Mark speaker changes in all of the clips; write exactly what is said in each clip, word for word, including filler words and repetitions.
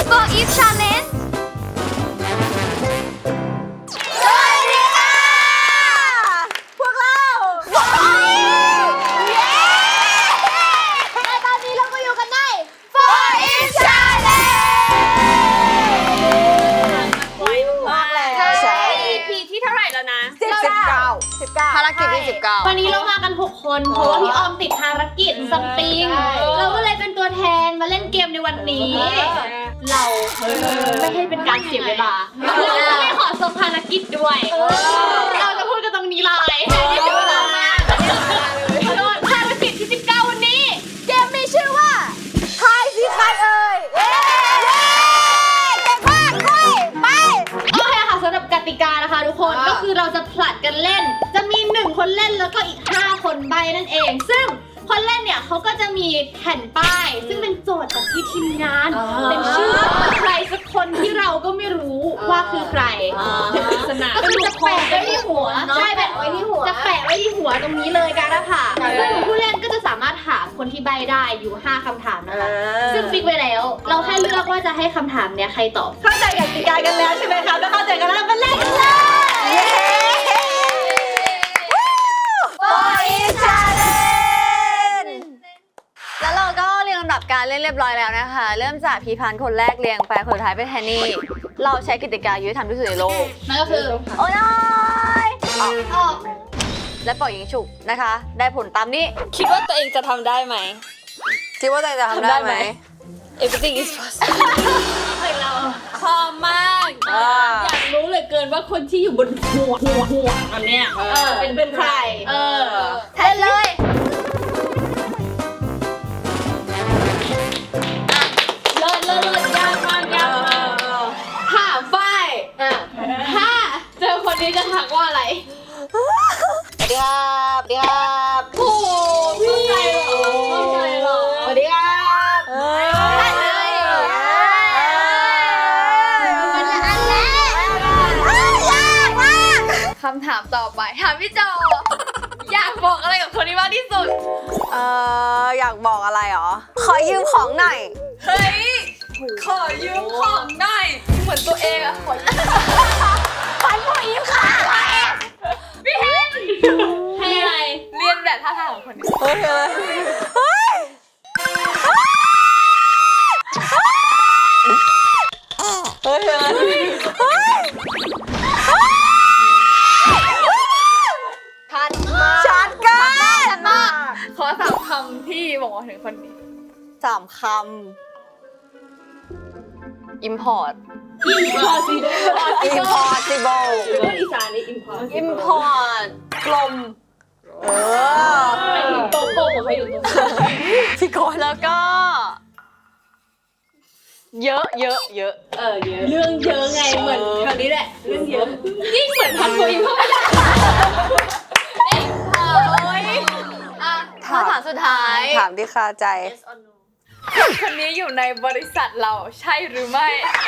Speaker 1: For Each Challenge
Speaker 2: สวัสดีค่ะพวกเราบอยเย้และตอนนี้เราก็อยู่กันใน For Each Challenge
Speaker 3: ไวมากเลย
Speaker 2: ใช่
Speaker 3: อี พี ที่เท่าไหร่แล้วนะ
Speaker 2: สิบเก้าสิบเก้าภารกิจที่สิบเก้า
Speaker 4: วันนี้เรามากันหกคนเพราะว่าพี่ออมติดภารกิจซัมติงเราก็เลยเป็นตัวแทนมาเล่นเกมในวันนี้ เราไม่ให้เป็นการเสียเวลาเราก็ไม่ขอส่งภารกิจด้วยเราจะพูดกันตรงนี้เลยให้เสียเวลามากภารกิจที่สิบเก้าวันนี้
Speaker 2: เกมมีชื่อว่าทายสิใครเอ่ยเย้เก่งมากไปไป
Speaker 4: โอเคค่ะสำหรับกติกานะคะทุกคนก็คือเราจะผลัดกันเล่น จะมีหนึ่งคนเล่นแล้วก็อีกห้าคนใบนั่นเอง ซึ่งคนเล่นเนี่ยเขาก็จะมีแผ่นป้าย ซึ่งเป็นโจทย์จากที่ทีมงานเป็นชื่อใครสักคนที่เราก็ไม่รู้ว่าคือใครเป็นปริศนาก็คือจะแปะไว้ที่หัวใช่แปะไว้ที่หัวจะแปะไว้ที่หัวตรงนี้เลยกันนะคะซึ่งผู้เล่นก็จะสามารถถามคนที่ใบได้อยู่ห้าคำถามนะคะซึ่งฟิกไว้แล้ว เราแค่เลือกว่าจะให้คำถามเนี้ยใครตอบ
Speaker 2: เข้าใจกติกากันแล้วใช่ไหมคะถ้าเข้าใจกันแล้วมาเล่นกันเลยเย้ For Each Challenge แล้วเราก็เรียงลำดับการเล่นเรียบร้อยแล้วนะคะ เริ่มจากพีพันธ์คนแรกเรียงไปคนสุดท้ายเป็นแฮนนี่เราใช้กติกายุติธรรมที่สุดในโลก
Speaker 4: นั่นก็คือ
Speaker 2: โอ้ย
Speaker 4: ออก
Speaker 2: และปล่อยยิงฉุกนะคะ ได้ผลตามนี้
Speaker 3: คิดว่าตัวเองจะทำได้ไหม
Speaker 2: คิดว่าจะทำได้ไหม
Speaker 3: Everything is possible เราพร้อมมาก
Speaker 2: อ่า
Speaker 3: อยากรู้เหลือเกินว่าคนที่อยู่บนหัวหัวหัวอันเนี้ยเป็นเป็นใคร
Speaker 4: เออ
Speaker 2: แทนเลย
Speaker 3: เลิศเลิศเลิศยากมากยากมาก
Speaker 4: ถามฝ้ายถ้าเจอคนนี้จะทักว่าอะไร
Speaker 2: สวัสดีครับสวัสดีครับ
Speaker 4: โอ้โหพี่ใจเหรอพี่ใจเหรอ
Speaker 2: สวัสดีครับเฮ้ยได้เลยมันละอันแรกยากมาก
Speaker 1: คำถามต่อไป ถามพี่โจ อยากบอกอะไรกับคนนี้มากที่สุด
Speaker 2: เอ่ออยากบอกอะไรหรอ ขอยืมของหน่อย
Speaker 1: เฮ้ย ขอยืมของหน่อย เหมือนตัวเองอะขอยืม
Speaker 2: ปันผู้ยืมค่ะ
Speaker 1: พี่เฮน
Speaker 4: ให้อะไร
Speaker 1: เรียนแบบท่าทางของคนนี้
Speaker 2: โอเคเลยเฮ้ยเฮ้ยเฮ้ยชัดมากชัดกันชัดมาก
Speaker 1: ขอสามคำที่บอกถึงคนนี้
Speaker 2: สามคำ import
Speaker 4: impossible
Speaker 2: impossible
Speaker 3: พูดอีสานนี่ impossible
Speaker 2: import กลม เออ
Speaker 3: โกโก้เขาอยู่ตรงนี้
Speaker 2: พี่กอนแล้วก็ เยอะเยอะเยอะ
Speaker 3: เออเยอะเรื่องเยอะไงเหมือนคราวนี้แหละเรื่องเยอะยิ่งเหมือนพันตัวอิมเข้าไป
Speaker 1: อ่ะคำถามสุดท้าย
Speaker 2: ถามที่คาใจ
Speaker 1: คนนี้อยู่ในบริษัทเราใช่หรือไม่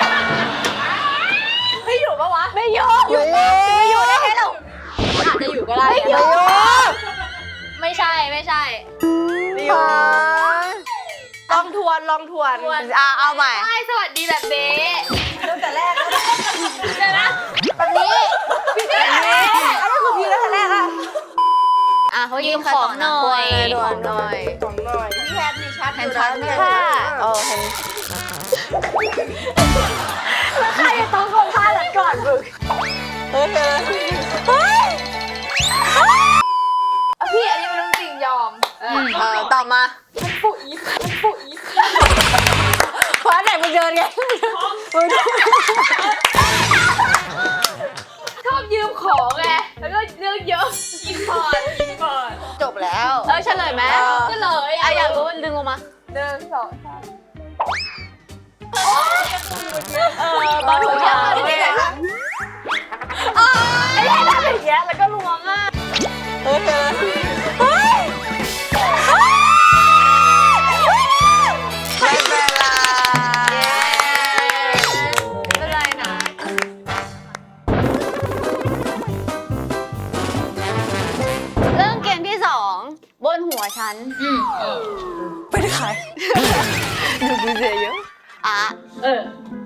Speaker 2: ไม่อยู่ปะวะ ไม่อยู่อยู่ไม่อยู่ได้แค่เรา
Speaker 1: อาจจะอยู่ก็ได้
Speaker 2: ไม่อยู่
Speaker 1: ไม่ใช่ไม่ใช่
Speaker 2: ไม่อยู่ลองทวนลองทวนอ่ะเอาใหม่
Speaker 1: ใช่สวัสดีแบบเบ๊ะ
Speaker 2: ตั้งแต่แรก
Speaker 1: เดี๋ยวนะ
Speaker 2: แบบนี้แบบนี้อันนี้คือพี่ตั้งแต่แรกอะ
Speaker 1: อ่ะเขายืมของหน่อย
Speaker 2: ทวนหน่อย
Speaker 3: ของหน่อยพี่แพทมีชัด
Speaker 1: เห็นชัดไหม
Speaker 2: ค่ะเออเห็นแล้วใครจะต้องคนพลาดแล้วก่อนมึงเฮ้ยเฮ้ย
Speaker 1: พี่อันนี้มันเรื่องจริงยอม
Speaker 2: เออตอบมาปุ๊อีปุ๊อีเพราะไหนมึงเดินไงมึง
Speaker 1: ชอบยืมของไงแล้วก็เรื่องเยอะอินพอร์ตอินพอร์ต
Speaker 2: จบแล้ว
Speaker 1: เออเฉลยไหมเฉลย
Speaker 2: อ่ะอยากรู้ดึงออกมา
Speaker 1: หนึ่งสองสาม
Speaker 2: เออบอลหัวยาวเนี่ยอ๋อไอ้เล่นอะไรอย่างเงี้ยแล้วก็ล้วงอ่ะเฮ้ยเฮ้ยไม่เป็นไร
Speaker 1: ไม่เป็นไรนะ
Speaker 2: เริ่มเกมที่สองบนหัวฉันเป็นใครดูดูเสียเยอะอ่ะ
Speaker 3: เออ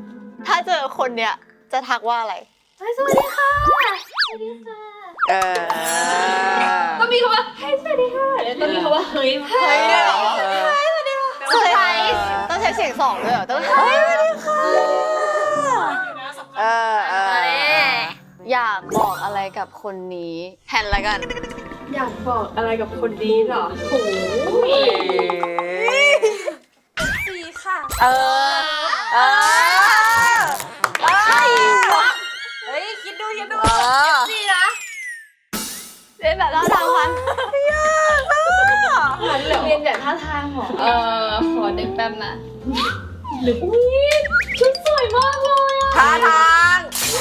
Speaker 2: ถ้าเจอคนเนี้ยจะทักว่าอะไร
Speaker 1: สวัสดีค่ะ
Speaker 2: เออ
Speaker 1: ต้องมีคำว่าเฮ้ยสวัสดีค่ะแล้วต้องมีคำว่าเฮ้ย
Speaker 2: เฮ้ยด้วยเหรอเซอร์ไพรส์ต้องใช้เสียงสองด้วยเหรอต้องเฮ้ยสวัสดีค่ะเออเอออยากบอกอะไรกับคนนี้แทนละกัน
Speaker 1: อยากบอกอะไรกับคนนี้เหรอโอ้ย
Speaker 3: สี่ค่ะ
Speaker 2: เออเออเอ้ย
Speaker 3: เฮ้ยคิดดูคิดดู
Speaker 2: เออ
Speaker 3: สี่นะ
Speaker 2: เล่นแบบท่าทางพันยากอ่ะ
Speaker 1: เรียนแบบท่าทางเหรอเออขอนึกแป๊บนะหรืออุ้ยชุดสวยมากเลยอ่ะ
Speaker 2: ท่าทาง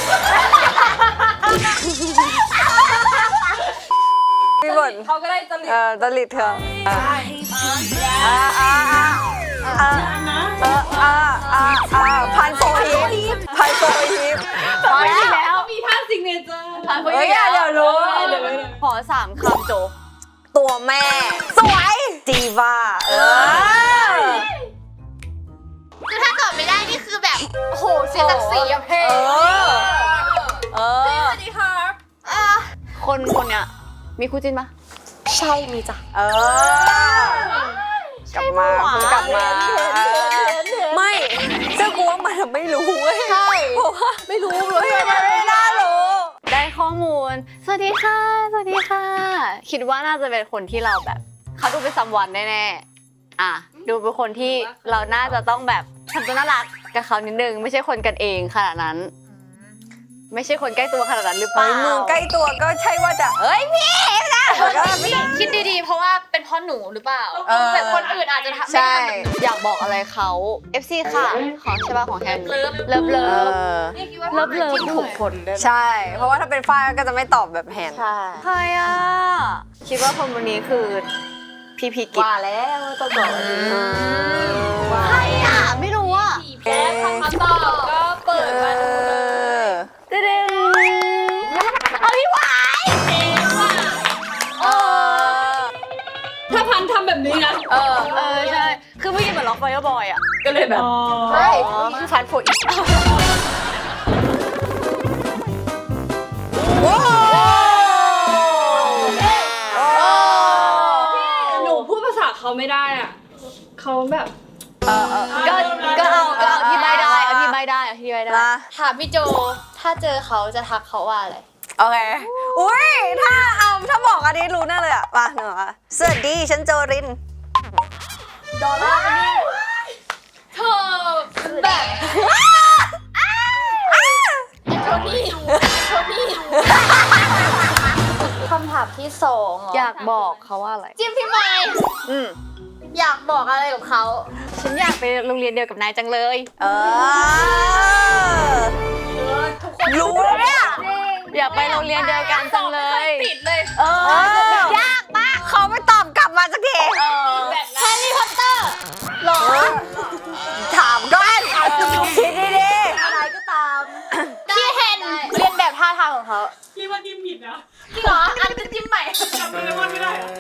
Speaker 2: พี่บน
Speaker 3: เขาก็ได้จริต
Speaker 2: เออตลิดเถอะ
Speaker 3: ใช่
Speaker 2: อ่าอ่าอ่าอ่าเอออ่าอ่าอ่าพันโฟฮิปพันโฟฮิปพอแล้ว
Speaker 3: มีท่าซิงเนเจอร์
Speaker 2: เฮ้ยเดี๋ยวรู้ขอสามคำโจตัวแม่ สวยดีว่าเออ
Speaker 1: คือถ้าตอบไม่ได้นี่คือแบบโอ้โหเสียศักดิ์ศรีอะเพ
Speaker 2: เออเออ
Speaker 3: สวัสดีค่ะ
Speaker 2: คนคนเนี้ยมีคู่จิ้นปะ
Speaker 3: ใช่มีจ้ะ
Speaker 2: เออกลับมาคุณกลับมาไม่ซึ่งกูว่ามันไม่รู้เว้ยใช่เพราะว่าไม่รู้เลยมันไม่น่ารู้ได้ข้อมูลสวัสดีค่ะสวัสดีค่ะ คิดว่าน่าจะเป็นคนที่เราแบบเขาดูเป็นซัมวันแน่ๆอ่ะดูเป็นคนที่เราน่าจะต้องแบบทำตัวน่ารักกับเขานิดนึงไม่ใช่คนกันเองขนาดนั้น ไม่ใช่คนใกล้ตัวขนาดนั้นหรือเปล่ามึงใกล้ตัวก็ใช่ว่าจะเฮ้ยพี่นะก็ไม่ได้
Speaker 1: คิดดีๆ เพราะว่าเป็นเพราะหนูหรือเปล่า
Speaker 2: เออ
Speaker 1: แบบคนอื่นอาจจะทำไม่
Speaker 2: ใช่
Speaker 1: ทำแบบหนู
Speaker 2: อยากบอกอะไรเขา เอฟ ซี ค่ะ ของใช่ป่ะของแฮม
Speaker 1: เลิฟ
Speaker 2: เลิฟเลิฟ
Speaker 1: นี่คิดว่า
Speaker 2: เลิฟเลิฟถูกคนใช่ เพราะว่าถ้าเป็นฝ้ายก็จะไม่ตอบแบบแฮนใช่ใครอ่ะ คิดว่าคนวันนี้คือพี่พีกิจว่าแล้วต้องบอกใครอ่ะ ไม่รู้อ่ะ
Speaker 1: แพ้คำตอบก็เปิดมาดูเลย
Speaker 2: เด้งเอาพี่หวายเออ
Speaker 3: ถ้าพันทำแบบนี้นะ
Speaker 2: เออ เออ ใช่ คือเมื่อกี้เหมือนล็อกไฟบอยอ่ะ
Speaker 3: ก็เลยแบบ
Speaker 2: ใช่คือฟันโฟอีกว้าว
Speaker 3: หนูพูดภาษาเขาไม่ได้อ่ะเขาแบบ
Speaker 2: เออเออก็ก็เอาก็เอาที่ใบได้เอาที่ใบได้เอาที่ใบได้
Speaker 1: ถามพี่โจ ถ้าเจอเขาจะทักเขาว่าอะไร
Speaker 2: โอเค อุ้ย ถ้าเอาถ้าบอกอันนี้รู้แน่เลยอ่ะมาหนูอ่ะสวัสดี ฉันโจริน
Speaker 1: ดอลลาร์กันนี่เธอแบบโทนี่โทนี่คำถามที่สองเหรอ
Speaker 2: อยากบอกเขาว่าอะไร
Speaker 1: จิ้มพี่ไมค์
Speaker 2: อืม
Speaker 1: อยากบอกอะไรกับเขา
Speaker 2: ฉันอยากไปโรงเรียนเดียวกับนายจังเลย เออ รู้แล้วเนี่ย อยากไปโรงเรียนเดียวกันจังเลย
Speaker 1: ติดเลย
Speaker 2: เออยากมากเขาไม่ตอบกลับมาสักที
Speaker 1: แบบแฮร์รี่พอตเตอร์
Speaker 2: หรอ ถามก่อนคิดดีๆ
Speaker 3: อะไรก็ตาม
Speaker 1: พี่เฮนเรียนแบบท่าทางของเขา
Speaker 3: พี่ว่าจิ้มผิดนะ
Speaker 1: จริงเหรอ อันจะจิ้มใหม่
Speaker 3: จำโดเรมอนไม่ได้เหรอ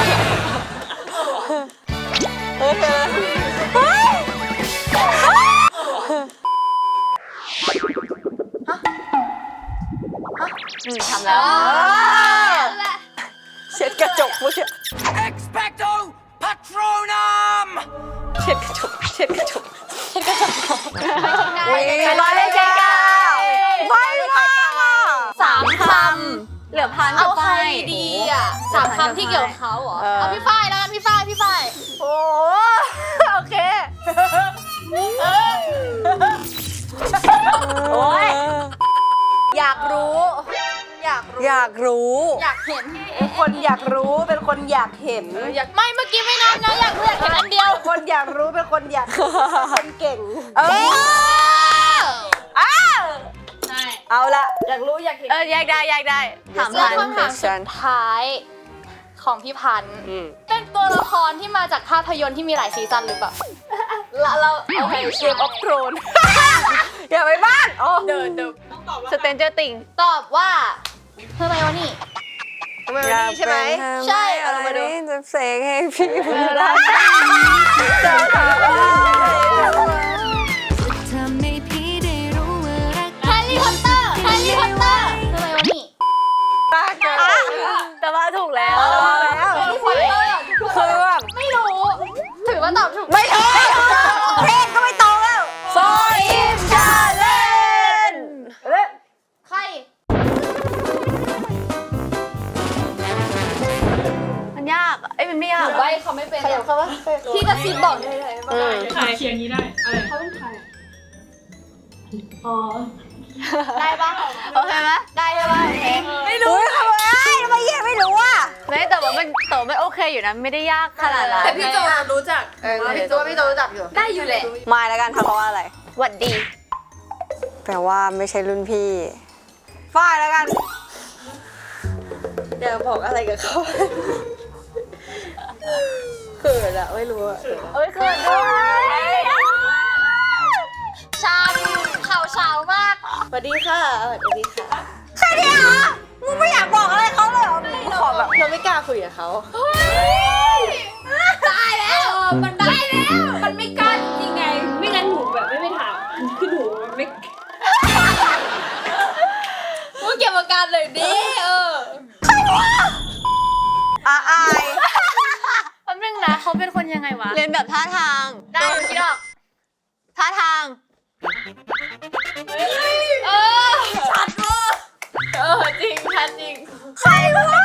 Speaker 2: เฮ้ยเฮ้ยอืมทำแล้วเช็ดกระจกเมื่อกี้
Speaker 5: Expecto Patronum!
Speaker 2: เช็ดกระจกเช็ดกระจก
Speaker 1: อุ้ย
Speaker 2: ร้อยเลยเจ๊ก้าไม่มากอ่ะสามคำเหลือพัน
Speaker 1: เอา
Speaker 2: กับ
Speaker 1: ใคร
Speaker 2: ไฟ
Speaker 1: ดีอ่ะสามคำที่เกี่ยวกับเขาเหรอ เอาพี่ฝ้ายแล้วกันพี่ฝ้ายพี่ฝ้าย
Speaker 2: โอ้โอเคโอ้ยอยากรู้ อยากรู้ อยากรู้
Speaker 1: อยากเห็น
Speaker 3: เป็นคนอยากรู้เป็นคนอยากเห็น
Speaker 1: อยากไม่เมื่อกี้ไม่นับนะอยากรู้อยากเห็นอันเดียว
Speaker 3: คนอยากรู้เป็นคนอยากเป็นคนเก่ง
Speaker 2: เอออ้าว
Speaker 1: ใช่
Speaker 2: เอาละ
Speaker 3: อยากรู้อยากเห็น
Speaker 2: เออแยกได้แยกได้ถาม
Speaker 1: แล้ว
Speaker 2: พัน
Speaker 1: คำถามสุดท้ายของพี่พันธ์เป็นตัวละครที่มาจากภาพยนตร์ที่มีหลายซีซั่นหรือเปล่า
Speaker 2: เราเราโอเคเกมออฟโทรนอย่าไปบ้านโอ้
Speaker 1: เดินเดิน
Speaker 2: สเตนเจอร์ติง
Speaker 1: ตอบว่าเธอไมวะนี่
Speaker 2: ทำไมวันนี้ใช่ไหม
Speaker 1: ใช่เอามาดู
Speaker 2: จะเสกให้พี่บุญรักจะทำให้
Speaker 6: ทำให้พี่ได้รู้
Speaker 2: ซิบบอกได้เลย
Speaker 3: อืม
Speaker 1: ถ่ายเคียงนี้ได้อะไร
Speaker 3: เขาเป็นใครอ๋อ
Speaker 4: ได้ปะ
Speaker 2: โอเคไหมได้ใช่ปะโอเค
Speaker 6: ไม่รู้ทำไมทำไมเย่ไม่รู้อ่ะ
Speaker 2: ไม่แต่ว่ามันแต่ว่ามันโอเคอยู่นะไม่ได้ยากขนาดนั้น
Speaker 3: แต่พี่โจรู้จัก
Speaker 2: เออพี่โจพี่โจรู้จักอยู่
Speaker 3: ได้อยู่แหละ
Speaker 6: มายแล้วกันทำเพราะว่าอะไร
Speaker 2: หวัดดี
Speaker 6: แปลว่าไม่ใช่รุ่นพี่ ฝ้ายแล้วกัน เดี๋ยวบอกอะไรกับเขาเขินอะไม่รู้อะ
Speaker 2: เอ้ยเขินด้วยชามข่าวเช้ามาก
Speaker 6: สวัสดีค่ะสวัสดีค่ะแค่นี้เหรอมึงไม่อยากบอกอะไรเขาเลยเหรอมึงขอแบบเราไม่กล้าคุยกับเขา
Speaker 3: ได้แล้วมันได้แล้ว มันไม่กล้าจริงไง ไม่งั้นหนูแบบไม่ไปถามคือหนูไม่
Speaker 2: มึงเก็บอาการเลยดิเออ
Speaker 6: อาอาย
Speaker 2: แป๊บนึงนะเขาเป็นคนยังไงวะเรียนแบบท่าทางได้คิดออกท่าทางเออชัดเวอร์เออจริงชัดจริงใครวะ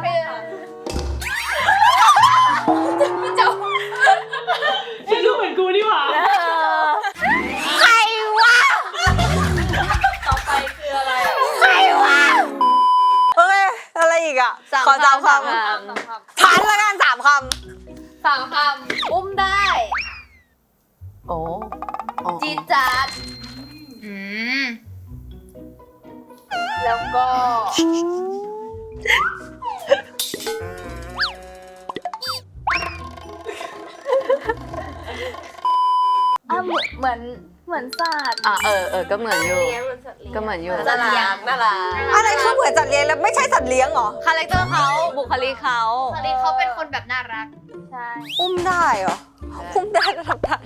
Speaker 2: พี่เจ้า
Speaker 1: ฉันรู้เหมือนกูนี่หว่า
Speaker 6: ใครวะ
Speaker 2: ต่อไปคืออะไร
Speaker 6: ใครวะโอเคอะไรอีกอ่ะขอสามคำพันแล้วกันสามค
Speaker 2: สามคำอุ้มได้
Speaker 6: ำโอ้
Speaker 2: จีดจัดอืมแล้วก็ อ่ะเหมือนเหมือนเหมือนศาสตร์อ่ะเออเออก็เหมือนอยู่ก็เหมือนอยู่
Speaker 6: น่ารักน่ารักอะไรคือเหมือนสัตว์เลี้ยงแล้วไม่ใช่สัตว์เลี้ยงเหรอ
Speaker 2: คาแรคเตอร์เขาบุคลิกเขาบุคลิกเขาเป็นคนแบบน่ารักใช่
Speaker 6: อุ้มได้เหรออุ้มได้ระดับได้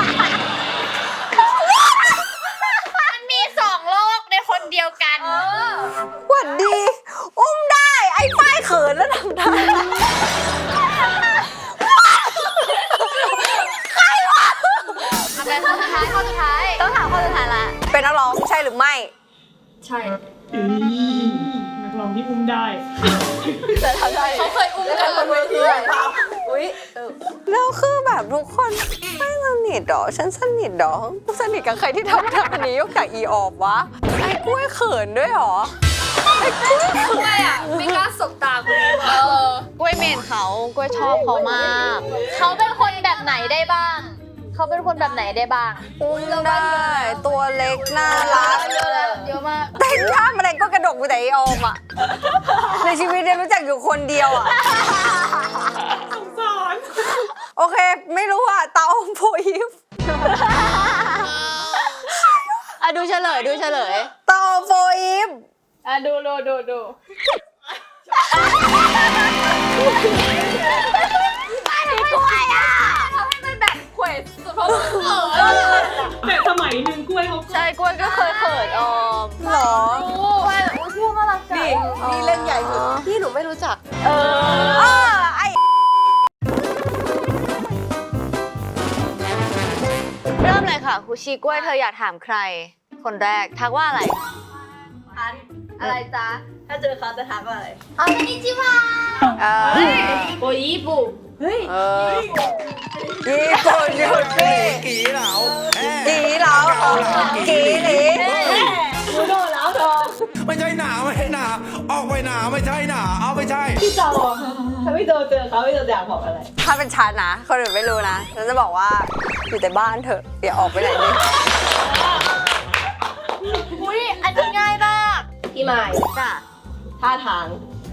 Speaker 2: มันมีสองโลกในคนเดียวกัน
Speaker 6: หวัดดี อุ้มได้ไอ้ฝ้ายเขินแล้วทำได้
Speaker 2: ทำไมข้อสุดท้ายข้อสุดท้ายต้องถามข้อสุดท้ายละ
Speaker 6: เป็นนักร้องใช่หรือไม่
Speaker 3: ใช่
Speaker 1: อืมนักร้องที่อุ้มได้
Speaker 2: เขาเคยอุ้มกันบนเวที
Speaker 6: อุ้ยแล้วคือแบบทุกคนไม่สนิทหรอฉันสนิทหรอกูสนิทกับใครที่ทำท่านี้ยกจากอีออบวะไอ้กล้วยเขินด้วยหรอไอ้กล้วยเขิน
Speaker 3: ไม่อ่ะ ไม่กล้าสบตาคนนี้
Speaker 2: เออกล้วยเมนเขากล้วยชอบเขามาก เขาเป็นคนแบบไหนได้บ้าง เขาเป็นคนแบบไหนได้บ้าง
Speaker 6: อุ้มได้ตัวเล็กน่ารัก
Speaker 2: เยอะแล้วเยอะมาก
Speaker 6: เต้นท่าอะไรก็กระดกไปแต่ไอออมอ่ะในชีวิตเนี่ยรู้จักอยู่คนเดียวอ่ะ
Speaker 1: สงสาร
Speaker 6: โอเค ไม่รู้อ่ะตาอมโพยิฟ
Speaker 2: อ่ะดูเฉลยดูเฉลย
Speaker 6: ตาอมโพยิฟ
Speaker 1: อ่ะดูดูดูดู แต่สมัยหนึ่งกล้วยเขา
Speaker 2: ใช่กล้วยก็เคยเขินออม
Speaker 6: หรอ
Speaker 2: กล้วยอุ้ยชื่อน่ารักจัง
Speaker 6: นี่นี่เล่นใหญ่สุดพี่หนูไม่รู้จัก
Speaker 2: เอ
Speaker 6: เอ
Speaker 2: อ
Speaker 6: อไอ
Speaker 2: เริ่มเลยค่ะครูชีกล้วยเธออยากถามใคร คนแรกทักว่าอะไร อะไรจ๊ะ
Speaker 6: ถ้าเจอเขาจะถามว่าอะไร
Speaker 2: อ๋อคอนนิจิวะ
Speaker 6: เออ
Speaker 3: โอ้ยญี่ปุ่น
Speaker 6: เออญี่ปุ่นหยุดพี่
Speaker 5: 幾樓？
Speaker 6: กีเหลากีหลี
Speaker 5: ไม่ใช่หนาไม่ใช่หนาออกไปหนาไม่ใช่หนาเอาไม่ใช่
Speaker 3: พี่โจถ้าพี่โจเจอเขาพี่โจอยากบอกอะไร
Speaker 6: ถ้าเป็นฉันนะ คนอื่นไม่รู้นะฉันจะบอกว่าอยู่แต่บ้านเถอะอย่าออกไปไหนเลย
Speaker 2: อุ้ยอันนี้ง่ายมาก
Speaker 3: พี่ไม้
Speaker 2: จ้ะ
Speaker 3: ท่าทาง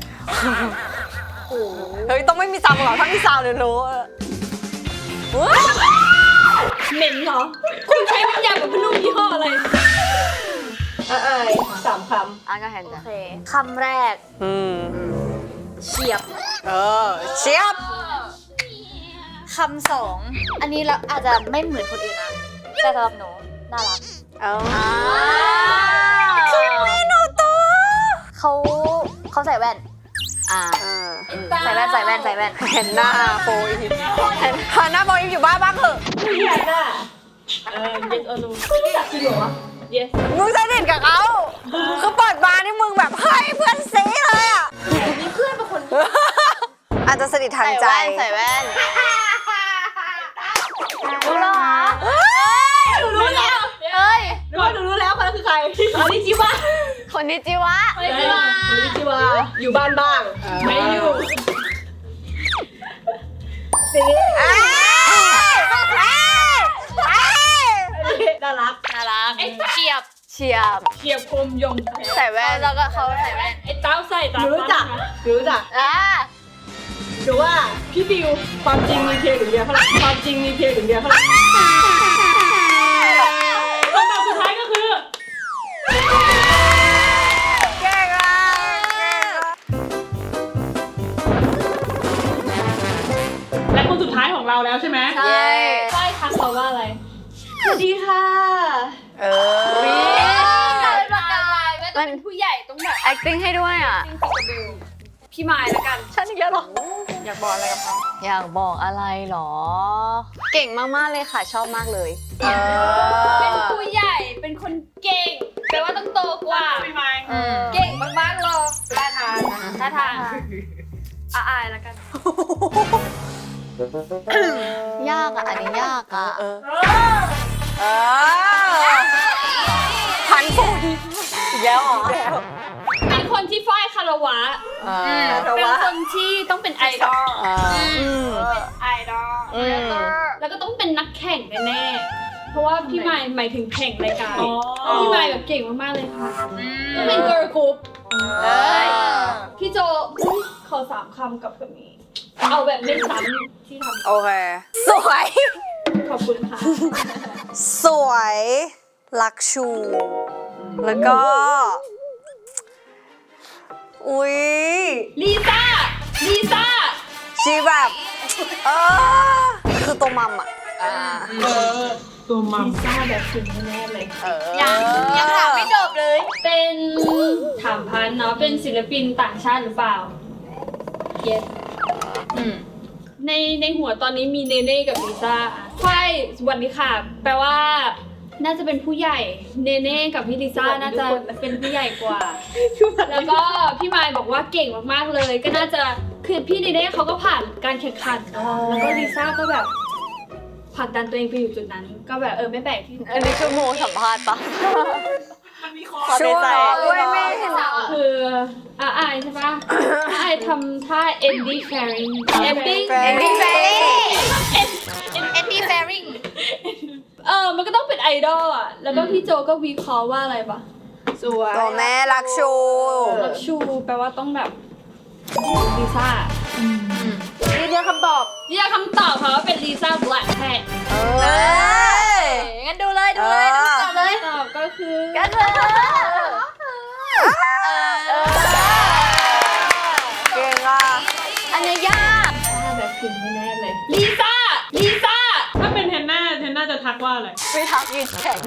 Speaker 6: เฮ้ย ต้องไม่มีซาวด์หรอถ้ามีซาวด์เดี๋ยวรู้เว้ย
Speaker 3: เหม็นเหรอ คุณใช้น้ำยาแบบพนุ่มยี่ห้ออะไรอ่ะอายสามค
Speaker 2: อ่ะก็เห็นจ้ะคำแรก
Speaker 6: อืม
Speaker 2: เฉียบ
Speaker 6: เออเชียบ
Speaker 2: คำสอง อันนี้เราอาจจะไม่เหมือนคนอื่นนะ แต่สำหรับหนูน่ารัก
Speaker 6: เออ
Speaker 2: คือไม่หนูตัวเขาเขาใส่แว่น อ่า
Speaker 6: เออ
Speaker 2: ใส่แว่นใส่แว่นใส่แว่น
Speaker 6: เห็นหน้าโฟอีฟเห็นหน้าโฟอีฟอยู่บ้านบ้างเถอะ
Speaker 3: ำไม่อยากน่ะเออ yes or no ไม่รู้จักจริงเหรอวะ yes
Speaker 6: มึงสนิทกับเขาคือเปิดมานี่มึงแบบเฮ้ยเพื่อนซีเลยอ่ะ
Speaker 3: มีเพื่อนเป็นคน
Speaker 6: อาจจะสนิททางใจ
Speaker 2: ใส่แว่นใส่แว่นรู้แล้วเหรอ
Speaker 3: หนูรู้แล้ว
Speaker 2: เอ้ย
Speaker 3: หนูว่าหนูรู้แล้วคนนั้นคือใครคอนนิจิวะ
Speaker 2: คนนี้จิวะ
Speaker 3: คอนนิจิวะคอนนิจิวะอยู่บ้านบ้างไม่อยู่
Speaker 2: เอ้ยเอ้ยเอ้ย
Speaker 3: น่ารัก
Speaker 2: น่ารักเฉียบเฉียบ
Speaker 1: เฉียบคมยง
Speaker 2: ใส่แว่นแล้วก็เขาใส่แว่น
Speaker 1: ไอ้เต้าใส่
Speaker 3: ห
Speaker 1: ตา
Speaker 3: นูรู้จักหนูรู้จัก
Speaker 2: อ่า
Speaker 3: หนูว่าพี่ดิวความจริงมีเพียงหนึ่งเดียวเท่านั้นความจริงมีเพียงหนึ่งเดียวเท่านั้น
Speaker 1: คำตอบสุดท้ายก็คือ
Speaker 6: เก่งอ่ะเก่งอ่ะ
Speaker 1: และคนสุดท้ายของเราแล้วใช่ไหม
Speaker 2: ใช่
Speaker 1: ฝ้ายทักเราว่าอะไร
Speaker 3: สวัสดีค่ะ
Speaker 6: เออ
Speaker 1: การเป็นประกายไม่ต้องเป็นผู้ใหญ่ต้องแบบ
Speaker 2: acting ให้ด้วยอ่ะ
Speaker 1: พี่ไม้ละกัน
Speaker 2: ฉันอีกแล้วหรอ
Speaker 1: อยากบอกอะไรกับเขา
Speaker 2: อยากบอกอะไรหรอ เก่งมากๆเลยค่ะชอบมากเลย
Speaker 6: เอ
Speaker 1: เป็น
Speaker 6: อ
Speaker 1: ผู้ใหญ่เป็นคนเก่งแปลว่าต้องโตกว่าพี่ไม้
Speaker 2: อืม
Speaker 1: เก่งมากๆหรอท่าทางท่าทางอาอายละกัน
Speaker 2: ยากอ่ะ อันนี้ยากอ่ะ
Speaker 6: เออเออพันฝุ่นอีกแล้วเหรอ
Speaker 1: เป็นคนที่ฝ้ายคารวะ
Speaker 6: อ่า
Speaker 1: เป็นคนที่ต้องเป็นไอดอล
Speaker 6: อ่าอืม
Speaker 1: ไอดอล
Speaker 2: อืม
Speaker 1: แล้วก็ต้องเป็นนักแข่งแน่ๆเพราะว่าพี่ไม้หมายถึงแข่งรายการพี่ไม้แบบเก่งมากๆเลยค่ะต้องเป็นเกิร์ลกรุ๊ป
Speaker 2: เอ้ย
Speaker 1: พี่โจอุ๊ยขอสามคำกับคนนี้ เอาแบบไม่ซ้ำที่ท
Speaker 6: โอเค สวย
Speaker 1: ำขอบคุณค่ะ
Speaker 6: สวยลักชู แล้วก็ อุ๊ย
Speaker 1: ลิซ่า ลิซ่า
Speaker 6: ชีแบบ เออ คือตัวมัมอ่ะ อ่า
Speaker 1: ตัวมัมลิซ่าแบบถึงแน่ๆเลย
Speaker 6: เออ
Speaker 2: ยังยังถามไม่จบเลย
Speaker 1: เป็นถามพันเนาะ เป็นศิลปินต่างชาติหรือเปล่า yes
Speaker 2: อืม
Speaker 1: ในในหัวตอนนี้มีเนเน่กับลิซ่าใช่สวัสดีค่ะ แปลว่า น่าจะเป็นผู้ใหญ่ เนเน่กับพี่ลิซ่าน่าจะเป็นผู้ใหญ่กว่า แล้วก็พี่มายบอกว่าเก่งมากๆเลย ก็น่าจะคือพี่เนเน่เขาก็ผ่านการแข่งขันเนาะแล้วก็ลิซ่าก็แบบผลักดันตัวเองไปอยู่จุดนั้น ก็แบบเออไม่แปลกที่
Speaker 2: อันนี้คือโมสัมภาษณ์ปะ
Speaker 6: ชัวร์ด้วยแม่
Speaker 1: คืออาอายใช่ปะอาอายทำท่า ending sharing ending
Speaker 2: Andy Fairing
Speaker 1: ending sharing เออมันก็ต้องเป็นไอดอลอ่ะแล้วก็พี่โจก็วิเคราะห์ว่าอะไรปะ
Speaker 3: สวย
Speaker 6: ตัวแม่รักชู
Speaker 1: ลักชูแปลว่าต้องแบบลิซ่า
Speaker 3: ยืนยันคำตอบ
Speaker 1: นี่คำตอบค่ะว่าเป็นลิซ่าแบล็คแพท
Speaker 6: เอ
Speaker 2: เอ
Speaker 6: อ
Speaker 2: องั้นดูเลยดูเลยดูต่อเลย
Speaker 1: ตอบก็คือ
Speaker 2: กันเถอะเออ
Speaker 6: เก่งอ่ะ
Speaker 2: อันนี้ยาก
Speaker 1: ถ้าแบบพิมพ์แน่ๆเลยลิซ่าลิซ่าถ้าเป็นเทนน่าเทนน่าจะทักว่าอะไร
Speaker 2: ไม่ทักยืนแข่ง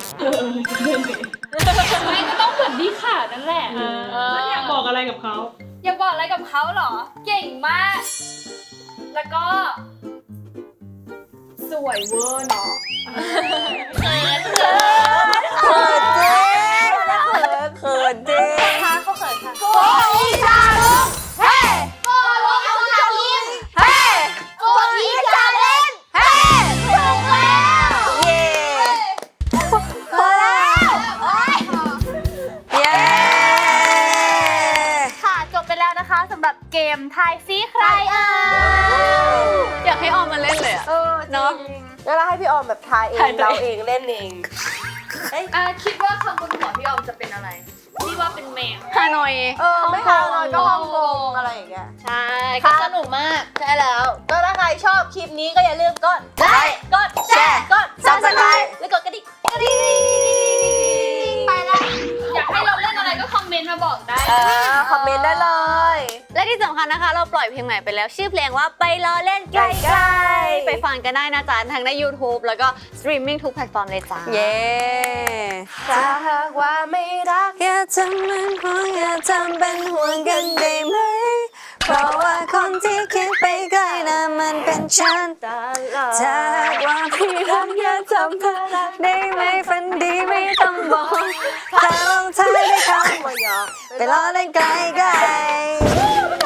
Speaker 1: ไม่ก็ต้องเหมือนดีค่ะนั่นแหละ
Speaker 7: แล้วอยากบอกอะไรกับเขา
Speaker 1: อยากบอกอะไรกับเขาเหรอ เก่งมาก แล้วก็ สวยเวอร์เนาะ
Speaker 6: เขินจริงเขินจริง
Speaker 2: ค่ะเขาเขินค่ะ
Speaker 6: โกอีชาลุงเฮ้โกอีชาลุงเฮ้โกอีชาเลนเฮ้ถูกแล้วเย้พอแล้วเย้
Speaker 2: ค่ะจบไปแล้วนะคะสำหรับเกมทายซีใครเอ่ยอยากให้ออมมาเล่นเลยอะ
Speaker 3: เออ
Speaker 2: เนาะ
Speaker 3: แล้วเราให้พี่ออมแบบทายเอง
Speaker 2: ทายตัว
Speaker 3: เรา
Speaker 2: เอง
Speaker 3: เองเล่นเอง
Speaker 1: อ่ะคิดว่าคำบนหัวพี่ออมจะเป็นอะไรพี่ว่าเป็นแมว
Speaker 2: ฮานอย
Speaker 3: เออไม่ทางเลยก็ฮ่องกงอะไรอย่างเงี้ย
Speaker 2: ใช่ก็สนุกมาก
Speaker 3: ใช่แล้ว ก็ถ้าใครชอบคลิปนี้ก็อย่าลืมกดไลค์กดแชร์กด
Speaker 6: Subscribe
Speaker 3: แล้วกดกระดิ่งกระดิ่งไปแล้ว
Speaker 1: อยากให้เราเล่นอะไรก็คอมเมนต์มาบอกได้
Speaker 3: เออคอมเมนต์ได้เลย
Speaker 2: และที่สำคัญนะคะ เราปล่อยเพลงใหม่ไปแล้ว ชื่อเพลงว่าไปรอเล่นใกล้ๆไปฟังกันได้นะจ๊ะทั้งใน YouTube แล้วก็สตรีมมิ่งทุกแพลตฟอร์มเลยจ้า
Speaker 6: เย้
Speaker 3: ถ้าหากว่าไม่รัก
Speaker 6: อย่าทำเป็นห่วงอย่าทำเป็นห่วงกันได้ไหม เพราะว่าคนที่คิดไปไกลนะมันเป็นฉัน
Speaker 3: ตลอด
Speaker 6: ถ้าหากว่าพี่รักอย่าทำเพื่อรักได้ไหมฝันดีไม่ต้องบอกถ้าลงท้ายด้วยคำว่าหยอกไปรอได้ไกลๆ